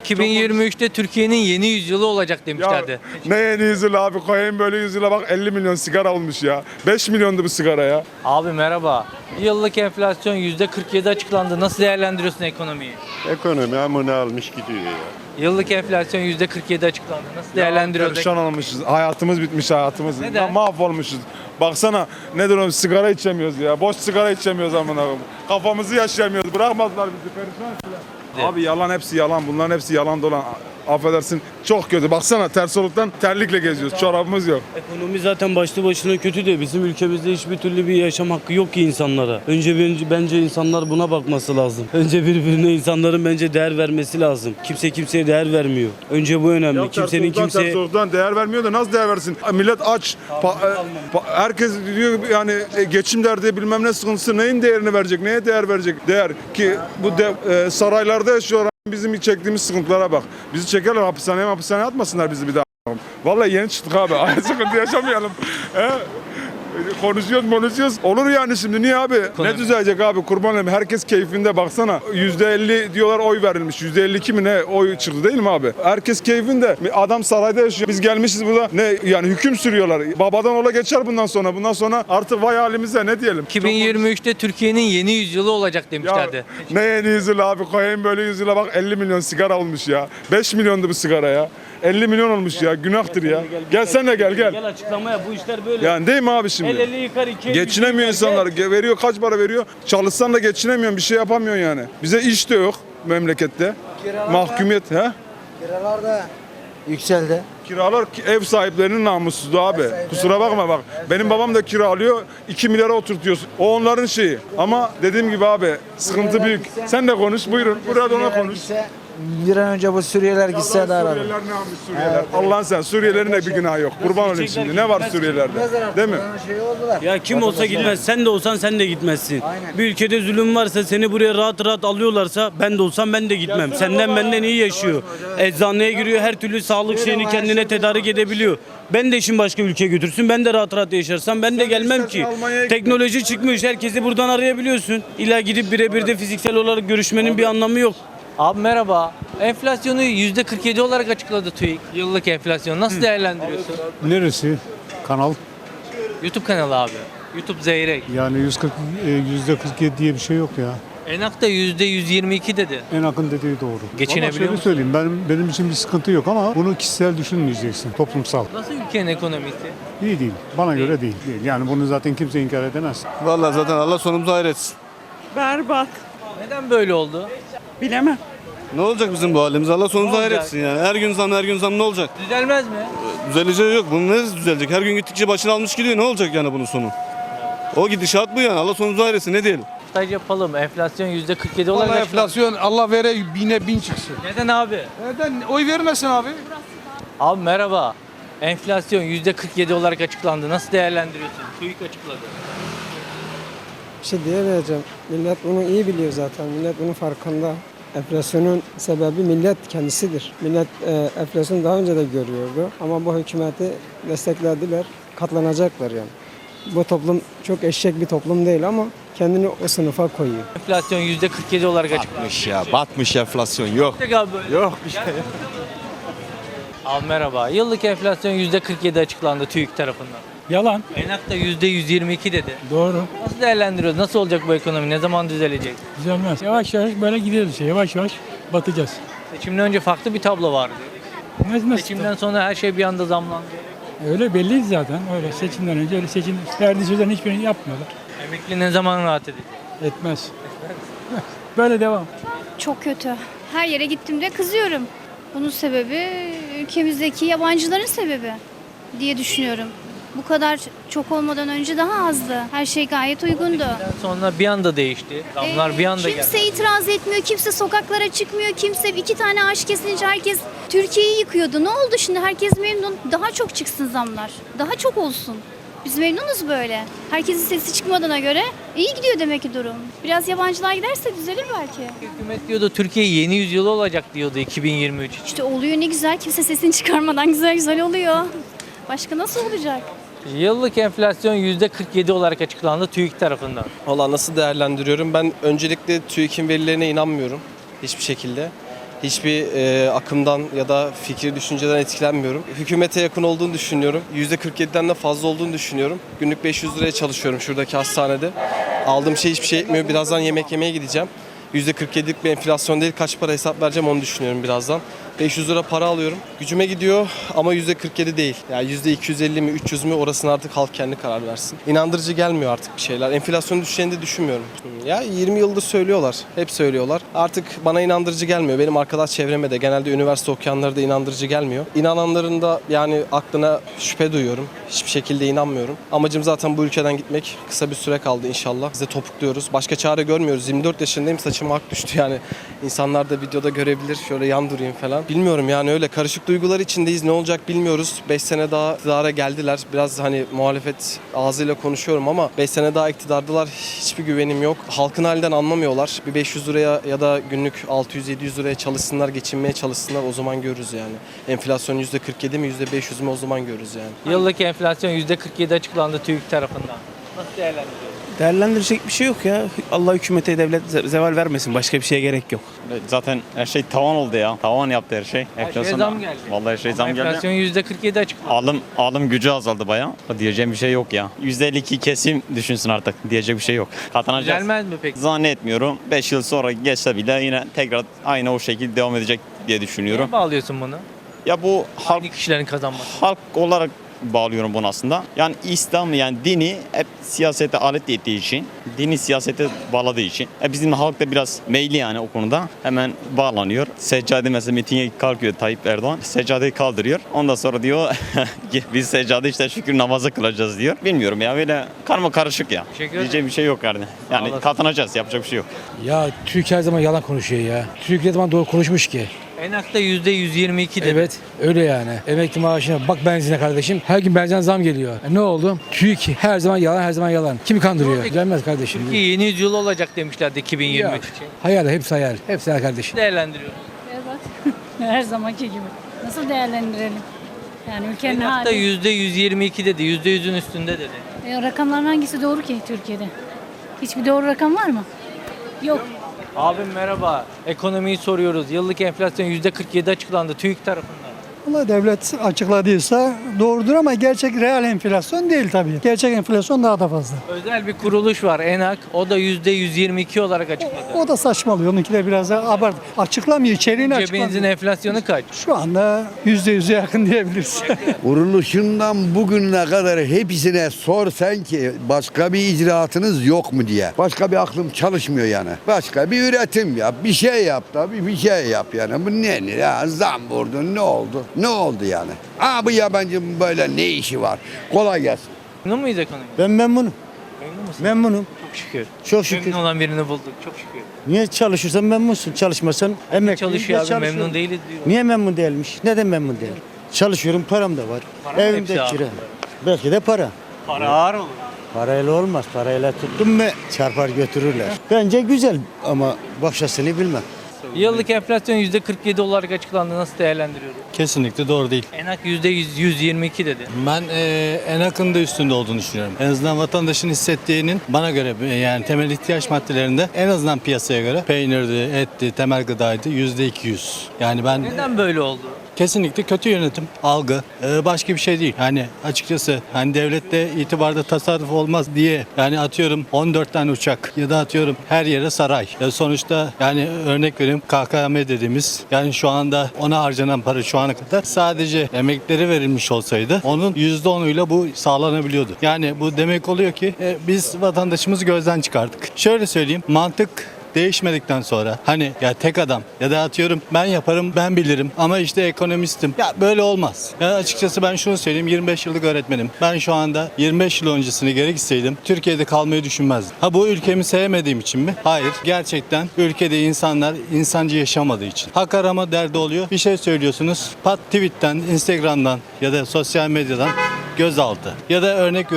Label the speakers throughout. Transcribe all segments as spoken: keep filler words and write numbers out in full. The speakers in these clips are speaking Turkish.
Speaker 1: iki bin yirmi üçte Türkiye'nin yeni yüzyılı olacak demişlerdi.
Speaker 2: Ya, ne yeni yüzyıl abi, koyayım böyle yüzyıla bak, elli milyon sigara olmuş ya. beş milyondu bu sigara ya.
Speaker 1: Abi merhaba. Yıllık enflasyon yüzde kırk yedi açıklandı. Nasıl değerlendiriyorsun ekonomiyi?
Speaker 3: Ekonomi amına almış gidiyor ya.
Speaker 1: Yıllık enflasyon yüzde kırk yedi açıklandı. Nasıl değerlendiriyorsun?
Speaker 2: Perişan olmuşuz. Hayatımız bitmiş, hayatımız.
Speaker 1: Neden?
Speaker 2: Mahvolmuşuz. Baksana nedir o, sigara içemiyoruz ya. Boş sigara içemiyoruz amına koyayım. Kafamızı yaşayamıyoruz. Bırakmadılar bizi, perişan ettiler. Abi yalan, hepsi yalan. Bunların hepsi yalan dolan. Affedersin, çok kötü. Baksana ters oluktan terlikle geziyoruz. Çorabımız yok.
Speaker 4: Ekonomi zaten başlı başına kötü de bizim ülkemizde hiçbir türlü bir yaşam hakkı yok ki insanlara. Önce bence, bence insanlar buna bakması lazım. Önce birbirine insanların bence değer vermesi lazım. Kimse kimseye değer vermiyor. Önce bu önemli.
Speaker 2: Ya
Speaker 4: Kimsenin
Speaker 2: ters oluktan,
Speaker 4: kimseye...
Speaker 2: ters oluktan değer vermiyor da nasıl değer versin? Millet aç. Pa- e, pa- herkes diyor yani e, geçim derdi, bilmem ne sıkıntısı, neyin değerini verecek? Neye değer verecek? Değer ki bu de, e, saraylarda yaşıyorlar. Bizim çektiğimiz sıkıntılara bak. Bizi çekerler hapishaneye, hapishaneye atmasınlar bizi bir daha. Vallahi yeni çıktık abi. Aynı sıkıntı yaşamayalım. He? Konuşuyoruz konuşuyoruz. Olur yani şimdi. Niye abi?
Speaker 1: Ekonomi.
Speaker 2: Ne düzelecek abi? Kurban olayım. Herkes keyfinde, baksana. yüzde elli diyorlar oy verilmiş. yüzde elli iki mi ne oy çıktı değil mi abi? Herkes keyfinde. Adam sarayda yaşıyor. Biz gelmişiz burada. Ne yani hüküm sürüyorlar. Babadan ola geçer bundan sonra. Bundan sonra artık vay halimize ne diyelim?
Speaker 1: iki bin yirmi üçte Türkiye'nin yeni yüzyılı olacak
Speaker 2: Ya
Speaker 1: demişlerdi.
Speaker 2: ne yeni yüzyıl abi, koyayım böyle yüzyıla bak, elli milyon sigara olmuş ya. beş milyondu bu sigara ya. elli milyon olmuş ya, günahtır ya. Gel sen de gel gel.
Speaker 4: Gel açıklamaya, bu işler böyle.
Speaker 2: Yani değil mi abi şimdi?
Speaker 4: El eli yıkar, iki el
Speaker 2: Geçinemiyor
Speaker 4: yıkar.
Speaker 2: insanlar. Ge- Veriyor, kaç para veriyor? Çalışsan da geçinemiyorsun, bir şey yapamıyorsun yani. Bize iş de yok memlekette. Mahkumiyet ha?
Speaker 5: Kiralar da yükseldi.
Speaker 2: Kiralar ki- ev sahiplerinin namussuzluğu abi. Kusura bakma bak. Benim babam da kiralıyor. iki milyara oturtuyor. O onların şeyi. Ama dediğim gibi abi sıkıntı büyük. Sen de konuş, buyurun. Burada ona konuş.
Speaker 5: Gitse, bir an önce bu Suriyeliler gitse daha rahat.
Speaker 2: Suriyeliler ne yapmış Suriyeliler? Allah'ın sen, Suriyelilerin de bir günahı yok. Kurban olayım şimdi. Ne var Suriyelilerde? Değil mi?
Speaker 5: Şey oldular.
Speaker 4: Ya kim olsa gitmez. Sen de olsan sen de gitmezsin.
Speaker 5: Aynen.
Speaker 4: Bir ülkede zulüm varsa, seni buraya rahat rahat alıyorlarsa, ben de olsam ben de gitmem. Senden benden iyi yaşıyor. Eczaneye giriyor, her türlü sağlık şeyini kendine tedarik edebiliyor. Ben de işin başka ülkeye götürsün, ben de rahat rahat yaşarsam ben de gelmem ki.
Speaker 2: Almanya'ya
Speaker 4: Teknoloji çıkmış, herkesi buradan arayabiliyorsun. İlla gidip birebir de fiziksel olarak görüşmenin bir anlamı yok.
Speaker 1: Abi merhaba. Enflasyonu yüzde kırk yedi olarak açıkladı TÜİK. Yıllık enflasyon. Nasıl değerlendiriyorsun?
Speaker 6: Neresi? Kanal.
Speaker 1: YouTube kanalı abi. YouTube Zeyrek.
Speaker 6: Yani yüz kırk, e, yüzde kırk yedi diye bir şey yok ya.
Speaker 1: Enak da yüzde yüz yirmi iki dedi.
Speaker 6: En akın dediği doğru.
Speaker 1: Geçinebiliyor
Speaker 6: Ama şöyle
Speaker 1: musun?
Speaker 6: söyleyeyim, benim, benim için bir sıkıntı yok ama bunu kişisel düşünmeyeceksin, toplumsal.
Speaker 1: Nasıl ülkenin ekonomisi?
Speaker 6: İyi değil, bana göre değil. değil. Yani bunu zaten kimse inkar edemez.
Speaker 3: Vallahi zaten Allah sonumuzu hayretsin.
Speaker 7: Berbat.
Speaker 1: Neden böyle oldu?
Speaker 7: Bilemem.
Speaker 3: Ne olacak bizim bu halimiz? Allah sonumuzu
Speaker 1: Ne olacak?
Speaker 3: hayretsin yani. Her gün zam, her gün zam ne olacak?
Speaker 1: Düzelmez mi?
Speaker 3: Düzeleceği yok. Bunun neresi düzelecek? Her gün gittikçe başını almış gidiyor. Ne olacak yani bunun sonu? O gidişat bu yani. Allah sonumuzu hayretsin. Ne diyelim?
Speaker 1: Staj yapalım. Enflasyon yüzde kırk yedi olarak
Speaker 8: Vallahi
Speaker 1: açıklandı.
Speaker 8: enflasyon Allah vere bine bin çıksın.
Speaker 1: Neden abi?
Speaker 8: Neden? Oy vermesin abi.
Speaker 1: Abi merhaba. Enflasyon yüzde kırk yedi olarak açıklandı. Nasıl değerlendiriyorsun? TÜİK açıkladı.
Speaker 9: Bir şey diyemeyeceğim. Millet bunu iyi biliyor zaten. Millet bunun farkında. Enflasyonun sebebi millet kendisidir. Millet e, enflasyonu daha önce de görüyordu. Ama bu hükümeti desteklediler. Katlanacaklar yani. Bu toplum çok eşek bir toplum değil ama kendini o sınıfa koyuyor.
Speaker 1: Enflasyon yüzde kırk yedi olarak açıklandı.
Speaker 10: Batmış ya, batmış enflasyon yok.
Speaker 1: Tek abi böyle.
Speaker 10: Yok bir şey.
Speaker 1: Abi merhaba. Yıllık enflasyon yüzde kırk yedi açıklandı TÜİK tarafından.
Speaker 8: Yalan.
Speaker 1: Enak da yüzde yüz yirmi iki dedi.
Speaker 8: Doğru.
Speaker 1: Nasıl değerlendiriyoruz? Nasıl olacak bu ekonomi? Ne zaman düzelecek?
Speaker 8: Düzelmez. Yavaş yavaş böyle gidiyoruz işte. Yavaş yavaş batacağız.
Speaker 1: Seçimden önce farklı bir tablo vardı.
Speaker 8: Nasıl, nasıl?
Speaker 1: Seçimden sonra her şey bir anda zamlandı.
Speaker 8: Öyle belli zaten. Öyle seçimden önce öyle seçim verdiği sözlerin hiçbirini yapmıyorlar.
Speaker 1: Emekli ne zaman rahat edecek?
Speaker 8: Etmez. Böyle devam.
Speaker 11: Çok kötü. Her yere gittiğimde kızıyorum. Bunun sebebi ülkemizdeki yabancıların sebebi diye düşünüyorum. Bu kadar çok olmadan önce daha azdı. Her şey gayet uygundu.
Speaker 1: Sonra bir anda değişti. Zamlar
Speaker 11: Ee,
Speaker 1: bir anda
Speaker 11: kimse
Speaker 1: geldi.
Speaker 11: itiraz etmiyor, kimse sokaklara çıkmıyor, kimse iki tane ağaç kesince herkes Türkiye'yi yıkıyordu. Ne oldu şimdi? Herkes memnun. Daha çok çıksın zamlar. Daha çok olsun. Biz memnunuz böyle. Herkesin sesi çıkmadığına göre iyi gidiyor demek ki durum. Biraz yabancılar giderse düzelir belki.
Speaker 1: Hükümet diyordu Türkiye yeni yüzyılı olacak diyordu iki bin yirmi üç için.
Speaker 11: İşte oluyor ne güzel. Kimse sesini çıkarmadan güzel güzel oluyor. Başka nasıl olacak?
Speaker 1: Yıllık enflasyon yüzde kırk yedi olarak açıklandı TÜİK tarafından.
Speaker 12: Valla nasıl değerlendiriyorum? Ben öncelikle TÜİK'in verilerine inanmıyorum hiçbir şekilde. Hiçbir e, akımdan ya da fikri düşünceden etkilenmiyorum. Hükümete yakın olduğunu düşünüyorum. yüzde kırk yediden de fazla olduğunu düşünüyorum. Günlük beş yüz liraya çalışıyorum şuradaki hastanede. Aldığım şey hiçbir şey etmiyor. Birazdan yemek yemeye gideceğim. yüzde kırk yedilik bir enflasyon değil, kaç para hesap vereceğim onu düşünüyorum birazdan. beş yüz lira para alıyorum. Gücüme gidiyor ama yüzde kırk yedi değil. Yani yüzde iki yüz elli mi üç yüz mü orasını artık halk kendi karar versin. İnandırıcı gelmiyor artık bir şeyler. Enflasyon düşeceğini de düşünmüyorum. Ya yirmi yıldır söylüyorlar. Hep söylüyorlar. Artık bana inandırıcı gelmiyor. Benim arkadaş çevreme de genelde üniversite okuyanlara da inandırıcı gelmiyor. İnananların da yani aklına şüphe duyuyorum. Hiçbir şekilde inanmıyorum. Amacım zaten bu ülkeden gitmek. Kısa bir süre kaldı inşallah. Biz de topukluyoruz. Başka çare görmüyoruz. yirmi dört yaşındayım, saçıma ak düştü yani. İnsanlar da videoda görebilir. Şöyle yan durayım falan. Bilmiyorum yani öyle karışık duygular içindeyiz. Ne olacak bilmiyoruz. beş sene daha iktidara geldiler. Biraz hani muhalefet ağzıyla konuşuyorum ama beş sene daha iktidardılar. Hiçbir güvenim yok. Halkın halinden anlamıyorlar. Bir beş yüz liraya ya da günlük altı yüz yedi yüz liraya çalışsınlar, geçinmeye çalışsınlar. O zaman görürüz yani. Enflasyon yüzde kırk yedi mi yüzde beş yüz mü o zaman görürüz yani.
Speaker 1: Yıllık enflasyon yüzde kırk yedi açıklandı TÜİK tarafından. Nasıl değerlendiriyorsunuz?
Speaker 4: Değerlendirecek bir şey yok ya. Allah hükümete, devlet zeval vermesin. Başka bir şeye gerek yok.
Speaker 6: Zaten her şey tavan oldu ya. Tavan yaptı her şey.
Speaker 1: Her şeye zam geldi.
Speaker 6: Vallahi her şey
Speaker 1: Ama
Speaker 6: zam geldi.
Speaker 1: enflasyon yüzde kırk yedi açıklandı.
Speaker 6: Alım alım gücü azaldı bayağı. Diyeceğim bir şey yok ya. yüzde elli iki kesim düşünsün artık. Diyecek bir şey yok. Katlanacağız.
Speaker 1: Gelmez mi peki?
Speaker 6: Zannetmiyorum. beş yıl sonra geçse bile yine tekrar aynı o şekilde devam edecek diye düşünüyorum.
Speaker 1: Neye bağlıyorsun bunu?
Speaker 6: Ya bu halk
Speaker 1: Aynı kişilerin kazanması.
Speaker 6: halk olarak bağlıyorum bunu aslında. Yani İslam yani dini hep siyasete alet ettiği için, dini siyasete bağladığı için. E bizim halk da biraz meyli yani o konuda. Hemen bağlanıyor. Seccade mesela mitinge kalkıyor Tayyip Erdoğan. Seccadeyi kaldırıyor. Ondan sonra diyor biz seccade işte şükür namazı kılacağız diyor. Bilmiyorum ya böyle karma karışık ya.
Speaker 1: Teşekkür ederim.
Speaker 6: Diyeceğim bir şey yok yani. Yani
Speaker 1: olasın.
Speaker 6: katlanacağız, yapacak bir şey yok.
Speaker 5: Ya Türkiye her zaman yalan konuşuyor ya. Türkiye her zaman doğru konuşmuş ki.
Speaker 1: Enak'ta yüzde yüz yirmi iki dedi.
Speaker 5: Evet öyle yani. Emekli maaşına bak benzine kardeşim. Her gün benzin zam geliyor. E ne oldu? Türkiye her zaman yalan her zaman yalan. Kimi kandırıyor?
Speaker 1: Peki.
Speaker 5: Gelmez kardeşim.
Speaker 1: Türkiye yeni yüzyıl olacak demişlerdi iki bin yirmi üç
Speaker 5: Ya.
Speaker 1: için.
Speaker 5: Hayal hepsi hayal. Hepsi hayal kardeşim.
Speaker 1: Değerlendiriyor.
Speaker 7: Evet. Her zamanki gibi. Nasıl değerlendirelim? Yani ülkenin
Speaker 1: Enak'ta
Speaker 7: hali.
Speaker 1: yüzde yüz yirmi iki dedi. yüzde yüzün üstünde dedi.
Speaker 7: E, rakamların hangisi doğru ki Türkiye'de? Hiçbir doğru rakam var mı? Yok.
Speaker 1: Abim merhaba. Ekonomiyi soruyoruz. Yıllık enflasyon yüzde kırk yedi açıklandı TÜİK tarafından.
Speaker 8: Valla devlet açıkladıysa doğrudur ama gerçek reel enflasyon değil tabii. Gerçek enflasyon daha da fazla.
Speaker 1: Özel bir kuruluş var Enak. O da yüzde yüz yirmi iki olarak açıkladı.
Speaker 8: O da saçmalıyor. Onunki de biraz daha abart. Açıklamıyor. İçeriğini
Speaker 1: Cebinizin
Speaker 8: açıklamıyor.
Speaker 1: enflasyonu kaç?
Speaker 8: Şu anda yüzde yüze yakın diyebiliriz.
Speaker 10: Kuruluşundan bugüne kadar hepsine sor sen ki başka bir icraatınız yok mu diye. Başka bir aklım çalışmıyor yani. Başka bir üretim yap, bir şey yap da bir, bir şey yap yani. Bu ne ne ya zam vurdun ne oldu? Ne oldu yani? Aa bu yabancının böyle ne işi var? Kolay gelsin.
Speaker 1: Memnun muyuz ekonomi?
Speaker 4: Ben memnunum.
Speaker 1: Memnun musun?
Speaker 4: Memnunum.
Speaker 1: Çok şükür.
Speaker 4: Çok şükür.
Speaker 1: Memnun olan birini bulduk. Çok şükür.
Speaker 4: Niye çalışırsan memnunsun. Çalışmasan emekli.
Speaker 1: Çalışıyor abi memnun değiliz diyor.
Speaker 4: Niye memnun değilmiş? Neden memnun değil? Çalışıyorum, param da var.
Speaker 1: Para mı
Speaker 4: Evimde
Speaker 1: hepsi abi?
Speaker 4: kira. Belki de para.
Speaker 1: Para ağır olur.
Speaker 4: Parayla olmaz. Parayla tuttun mu çarpar götürürler. Bence güzel ama başkasını bilmem.
Speaker 1: Yıllık enflasyon yüzde kırk yedi olarak açıklandı. Nasıl değerlendiriyoruz?
Speaker 6: Kesinlikle doğru değil.
Speaker 1: Enak yüzde yüz yirmi iki dedi.
Speaker 6: Ben e, en akın da üstünde olduğunu düşünüyorum. En azından vatandaşın hissettiğinin bana göre e, yani temel ihtiyaç maddelerinde en azından piyasaya göre peynirdi, etti, temel gıdaydı yüzde iki yüz. Yani ben
Speaker 1: Neden böyle oldu?
Speaker 6: kesinlikle kötü yönetim, algı, e, başka bir şey değil. Hani açıkçası hani devlette itibarda tasarruf olmaz diye yani atıyorum on dört tane uçak ya da atıyorum her yere saray. Ya sonuçta yani örnek vereyim K K M dediğimiz yani şu anda ona harcanan para şu ana kadar sadece emeklilere verilmiş olsaydı onun yüzde onuyla bu sağlanabiliyordu. Yani bu demek oluyor ki e, biz vatandaşımızı gözden çıkardık. Şöyle söyleyeyim mantık değişmedikten sonra hani ya tek adam ya da atıyorum ben yaparım ben bilirim ama işte ekonomistim. Ya böyle olmaz. Ya açıkçası ben şunu söyleyeyim yirmi beş yıllık öğretmenim. Ben şu anda yirmi beş yıl öncesine geri gitseydim Türkiye'de kalmayı düşünmezdim. Ha bu ülkemi sevmediğim için mi? Hayır. Gerçekten ülkede insanlar insancı yaşamadığı için. Hak arama derdi oluyor. Bir şey söylüyorsunuz. Pat tweetten, Instagram'dan ya da sosyal medyadan gözaltı. Ya da örnek veriyorum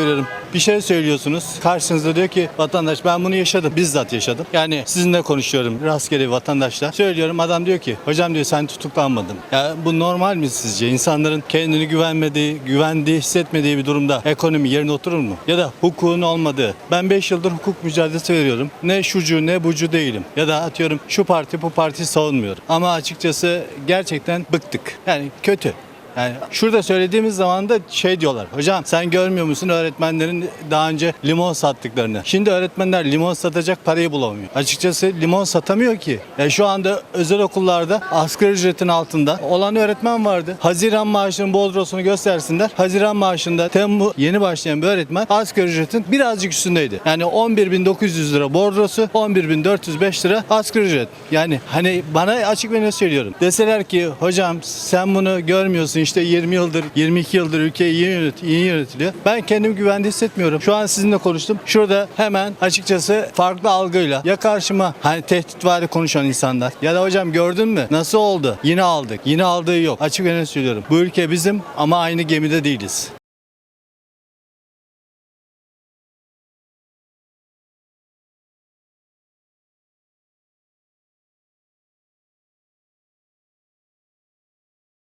Speaker 6: bir şey söylüyorsunuz. Karşınızda diyor ki vatandaş ben bunu yaşadım. Bizzat yaşadım. Yani sizinle konuşuyorum rastgele bir vatandaşla. Söylüyorum adam diyor ki hocam diyor sen tutuklanmadın. Ya bu normal mi sizce? İnsanların kendini güvenmediği, güvendiği, hissetmediği bir durumda ekonomi yerine oturur mu? Ya da hukukun olmadığı. Ben beş yıldır hukuk mücadelesi veriyorum. Ne şucu ne bucu değilim. Ya da atıyorum şu parti bu parti savunmuyorum. Ama açıkçası gerçekten bıktık. Yani kötü. Yani şurada söylediğimiz zaman da şey diyorlar. Hocam sen görmüyor musun öğretmenlerin daha önce limon sattıklarını? Şimdi öğretmenler limon satacak parayı bulamıyor. Açıkçası limon satamıyor ki. Yani şu anda özel okullarda asgari ücretin altında olan öğretmen vardı. Haziran maaşının bordrosunu göstersinler. Haziran maaşında Temmuz yeni başlayan bir öğretmen asgari ücretin birazcık üstündeydi. Yani on bir bin dokuz yüz lira bordrosu, on bir bin dört yüz beş lira asgari ücret. Yani hani bana açık ve ne söylüyorum. Deseler ki hocam sen bunu görmüyorsun işte yirmi yıldır, yirmi iki yıldır ülke iyi, yönet, iyi yönetiliyor. Ben kendimi güvende hissetmiyorum. Şu an sizinle konuştum. Şurada hemen açıkçası farklı algıyla ya karşıma hani tehditvari konuşan insanlar ya da hocam gördün mü nasıl oldu? Yine aldık. Yine aldığı yok. Açık ve net söylüyorum. Bu ülke bizim ama aynı gemide değiliz.